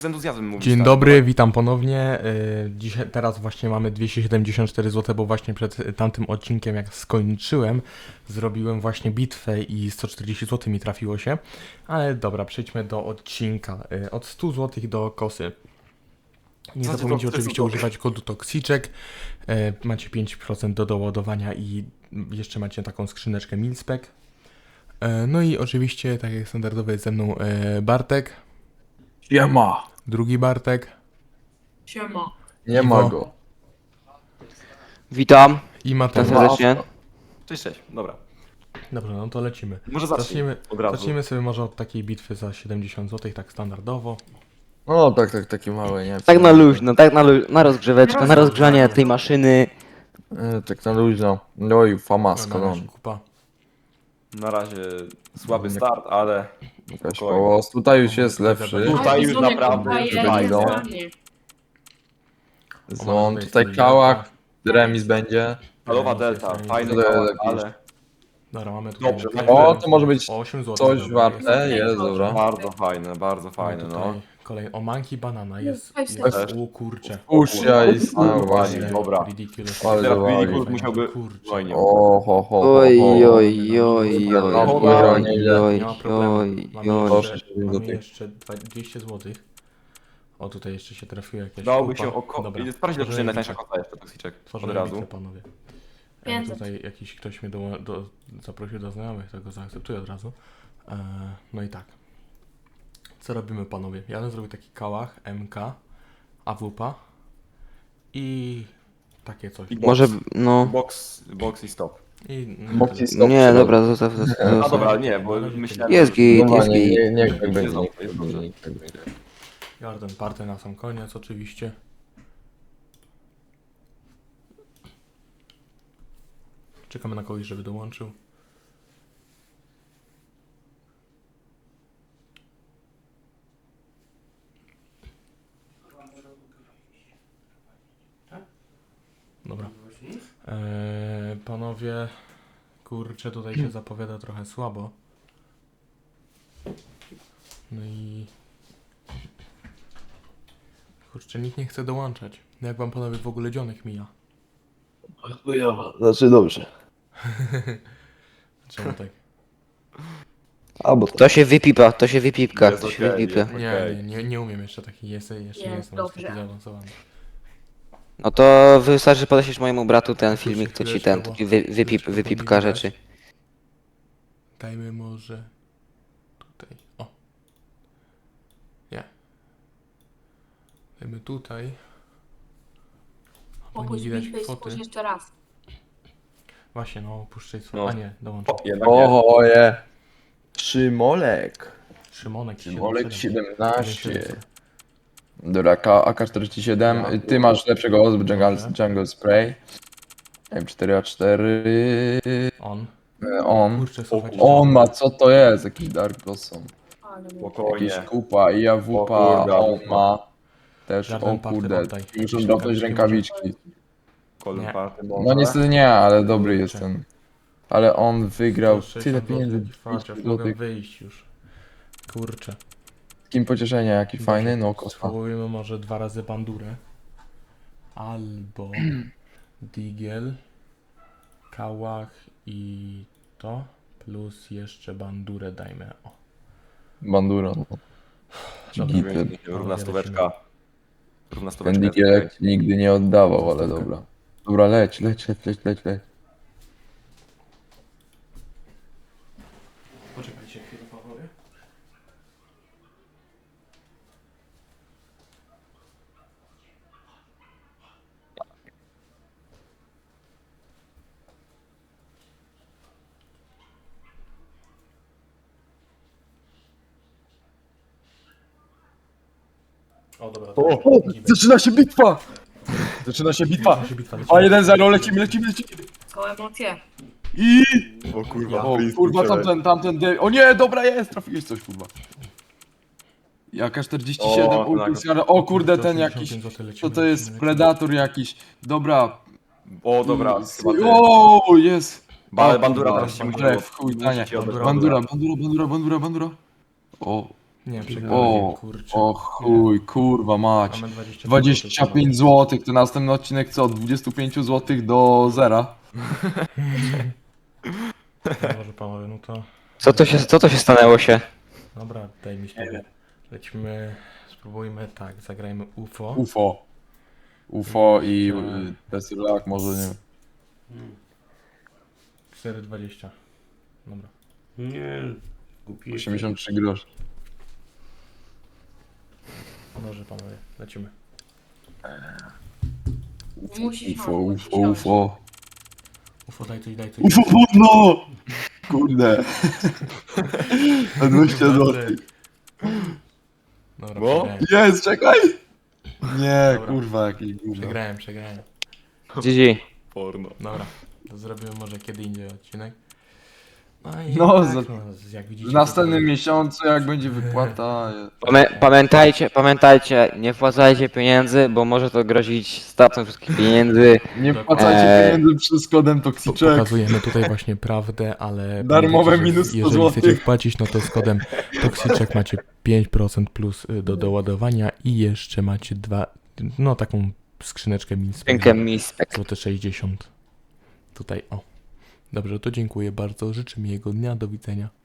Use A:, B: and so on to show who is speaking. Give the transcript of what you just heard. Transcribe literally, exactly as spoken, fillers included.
A: Z entuzjazmem mówisz.
B: Dzień
A: tak?
B: dobry, witam ponownie. Yy, Dzisiaj, teraz właśnie mamy dwieście siedemdziesiąt cztery złote, bo właśnie przed tamtym odcinkiem, jak skończyłem, zrobiłem właśnie bitwę i sto czterdzieści złotych mi trafiło się. Ale dobra, przejdźmy do odcinka. Yy, Od stu złotych do kosy. Nie
A: Znaczy,
B: zapomnijcie
A: to- to
B: oczywiście
A: jest
B: używać kodu Toxiczek. Yy, Macie pięć procent do doładowania i jeszcze macie taką skrzyneczkę Milspec. Yy, No i oczywiście, tak jak standardowo jest ze mną yy, Bartek,
C: Siema.
B: drugi Bartek
D: Siema.
C: Nie
B: Iwo.
C: ma go.
E: Witam,
B: i
E: witam
B: Mateusz.
E: serdecznie.
A: Cześć, cześć. Dobra.
B: Dobrze, no to lecimy.
A: Może zacznij
B: Zaczniemy,
A: od razu.
B: zacznijmy sobie może od takiej bitwy za siedemdziesiąt złotych, tak standardowo.
C: No tak, tak, takie małe, nie?
E: Tak na luźno, tak na, lu- na rozgrzeweczkę, na rozgrzanie tej maszyny.
C: E, tak na luźno. No i famasko,
B: Na
C: no.
B: razie kupa.
A: Na razie słaby
C: Nie-
A: start, ale
C: Jakaś
A: spokojnie.
C: połos. Tutaj już jest lepszy.
A: Tutaj już naprawdę
C: już
A: fajnie.
C: będą.
B: O,
C: Zon,
B: mamy
C: tutaj
B: tutaj
C: kałak. Remis będzie.
A: Falowa
B: Nie,
A: delta,
B: nie,
A: fajny
C: nie,
A: kawałek,
C: jakiś-
A: ale
B: Dobra, mamy tutaj...
A: Dobrze,
B: tutaj-
C: o, to może być
B: o osiem złotych.
C: Coś
B: dobra,
C: warte,
B: jest.
C: jest, dobra.
A: bardzo fajne, bardzo
B: Mamy
A: fajne,
B: tutaj
A: no.
B: Kolej, o, manki banana jest...
D: Jest,
B: jest
A: jest.
B: o kurcze.
C: Usia i
A: Ale
C: no właśnie.
A: dobra.
B: Ridiculous.
C: Ale
A: Teraz
C: zawali.
A: Billy Gould musiałby...
B: Kurczę.
A: Oj, nie.
C: O, ho, ho, ho,
E: Oj,
C: ho.
E: oj, oj, oj, oj,
C: No,
E: oj, oj,
B: Nie ma problemu.
E: oj,
B: Mamy
E: oj.
C: Proszę,
B: jeszcze,
C: żeby do
B: mamy
C: tych-
B: jeszcze dwa- dwieście złotych. O, tutaj jeszcze się trafiło jakieś
A: Dałoby
B: kupa.
A: się oko...
B: Dobra,
A: Sprawdź, ile
B: tworzymy
A: kosztuje najtańsza
B: bitwę.
A: kota jeszcze, Toxiczek. Od
B: Tworzymy
A: razu.
B: bitwę, panowie. E,
D: pięćset.
B: tutaj jakiś ktoś mnie do, do, zaprosił do znajomych, to go zaakceptuję od razu. E, no i tak. Co robimy, panowie? Ja bym zrobił taki kałach, M K, A W P i takie coś.
A: I box.
E: Może, no,
A: Box, box i stop.
B: I, no,
C: Box
B: tyle.
C: i stop.
E: nie, dobra, zostaw, zostaw,
A: A
E: zostaw.
A: dobra, nie, bo myślałem...
E: Jest git,
C: Dobra,
E: jest
C: nie,
E: git.
C: nie, niech tak
A: Jest
C: będzie.
A: dobrze,
C: niech
A: jest
C: tak
A: dobrze.
C: będzie, niech tak będzie.
B: Jordan party na sam koniec oczywiście. Czekamy na kogoś, żeby dołączył. Dobra. Eee, panowie, kurczę, tutaj się zapowiada trochę słabo. No i... Kurczę, nikt nie chce dołączać. Jak wam panowie w ogóle dzionek mija?
C: Chujowo, znaczy dobrze.
B: Czemu tak?
C: Albo
E: To się wypipa, to się wypipka,
A: Jest
E: to się
A: okej,
E: wypipka.
A: jest.
B: Nie,
A: Okej.
B: nie, nie, nie umiem jeszcze taki, jestem, jeszcze nie
D: Jest
B: jestem aż
D: dobrze.
B: taki zaawansowany.
E: No to wystarczy podeśleć mojemu bratu ten filmik, to ci
B: Chwileczkę,
E: ten,
B: bo-
E: taki wy, wypip,
B: chwileczkę, bo
E: wypipka
B: nie widać.
E: rzeczy.
B: Dajmy może tutaj, o. Nie. Dajmy tutaj. Bo nie
D: Opuść
B: widać
D: bitwę i
B: kwoty.
D: spójrz jeszcze raz.
B: Właśnie, no, puszczaj
A: No.
B: no. A nie, dołączę.
A: O, jednak nie.
C: Oje. Szymolek.
B: Szymonek
C: Szymolek
B: siedemdziesiąt
C: siedemnaście. Dobra, A K czterdzieści siedem. Ty masz lepszego ozby Jungle,
B: Dobrze.
C: jungle Spray. M cztery A cztery.
B: On.
C: E, On.
B: Kurczę, słuchajcie.
C: On ma, co to jest? Jakiś Dark Blossom.
D: Ale mówię.
A: Spokojnie.
C: Jakiś kupa i
A: O
C: AWP,
A: kurde,
C: on
A: AWP.
C: ma. Też,
B: Żaden
C: o
B: party
C: kurde,
B: oddaj.
C: muszę
B: Jakieś
C: dropnąć
B: rękawiczki
C: rękawiczki.
A: Golden
B: Nie.
A: Party
C: No
A: może.
C: niestety nie, ale dobry
B: Kurczę.
C: jest ten. Ale on wygrał
B: sto
C: tyle
B: sześćdziesiąt
C: pieniędzy.
B: złotych, farciarz,
C: dwieście
B: mogę
C: złotych.
B: wyjść już. Kurczę.
C: Takim pocieszenia, jaki fajny, no kosma.
B: Spróbujmy może dwa razy bandurę. Albo digiel, kałach i to. Plus jeszcze bandurę dajmy. O.
C: Bandura. no.
B: Dobra.
C: Git.
A: Równa stóweczka. Równa
C: Ten
A: stóweczka. jest
C: digielek
A: okej.
C: nigdy nie oddawał, ale
B: Zostawka.
C: dobra. Dobra, leć, leć, leć, leć, leć, leć.
B: Poczekajcie chwilę, panowie. O, dobra. to
C: O,
B: lecimy.
C: zaczyna się bitwa! Zaczyna się bitwa!
B: Zaczyna się bitwa, lecimy.
C: A jeden zero, lecimy, lecimy, lecimy!
D: Są emocje.
C: I...
A: O kurwa,
C: O
A: please,
C: kurwa,
A: kurczę.
C: tamten, tamten, de... o nie, dobra jest, trafiłeś coś, kurwa. Jaka czterdzieści siedem,
A: O,
C: Ulpix,
A: tak.
C: o kurde, ten
B: osiemdziesiąt
C: jakiś,
B: pięć złotych,
C: co
B: lecimy,
C: to jest,
B: lecimy,
C: Predator jakiś, dobra.
A: O dobra,
C: Mm,
A: chyba ty.
C: O, jest.
A: Ba-
C: O,
A: bandura
C: kurwa,
A: teraz się musi
C: bandura,
A: od-
C: w chuj,
A: musi
C: tanie.
A: ci oddać
B: Bandura.
C: Bandura, bandura, bandura, bandura, bandura. O,
B: Nie,
C: O,
B: przegrałem, kurczę.
C: o chuj, kurwa mać.
B: Mamy dwadzieścia
C: dwadzieścia pięć złotych, to następny odcinek co? Od dwudziestu pięciu złotych do zera.
B: No może panowie, no to...
E: Co to się, co to się stanęło się?
B: Dobra, daj mi spokój. Lecimy, spróbujmy tak, zagrajmy U F O.
C: U F O. U F O i
B: Tak.
C: y, Tesla, może nie wiem.
B: cztery dwadzieścia. Dobra.
F: Nie, głupi jesteś.
C: osiemdziesiąt trzy groszy.
B: Może panowie, lecimy.
D: Musisz
C: U F O,
D: mam,
C: U
D: musisz
C: F O, U F O.
B: U F O, daj coś, daj coś.
C: U F O płodno! Kurde. Na dwieście złotych.
B: Dobra,
A: Bo?
B: przegrałem.
C: Jest, czekaj! Nie,
B: Dobra.
C: kurwa, jakiś gówno.
B: Przegrałem, przegrałem.
E: G G.
A: Porno.
B: Dobra, to zrobimy może kiedy indziej odcinek. No i
C: No,
B: tak,
C: za-
B: no, jak widzicie...
C: W następnym
B: to-
C: miesiącu, jak będzie wypłata...
E: Pamię pamiętajcie, pamiętajcie, nie wpłacajcie pieniędzy, bo może to grozić stratą wszystkich pieniędzy.
C: Nie wpłacajcie
E: Eee.
C: pieniędzy przez kodem
B: Po-
C: Toxiczek.
B: Pokazujemy tutaj właśnie prawdę, ale
C: Darmowe
B: pamiętajcie, że
C: minus sto
B: jeżeli
C: złotych.
B: chcecie wpłacić, no to z kodem Toxiczek macie pięć procent plus y, do doładowania i jeszcze macie dwa, no taką skrzyneczkę min
E: Rękę mi spek.
B: złote sześćdziesiąt. Tutaj, o. Dobrze, to dziękuję bardzo, życzę miłego dnia, do widzenia.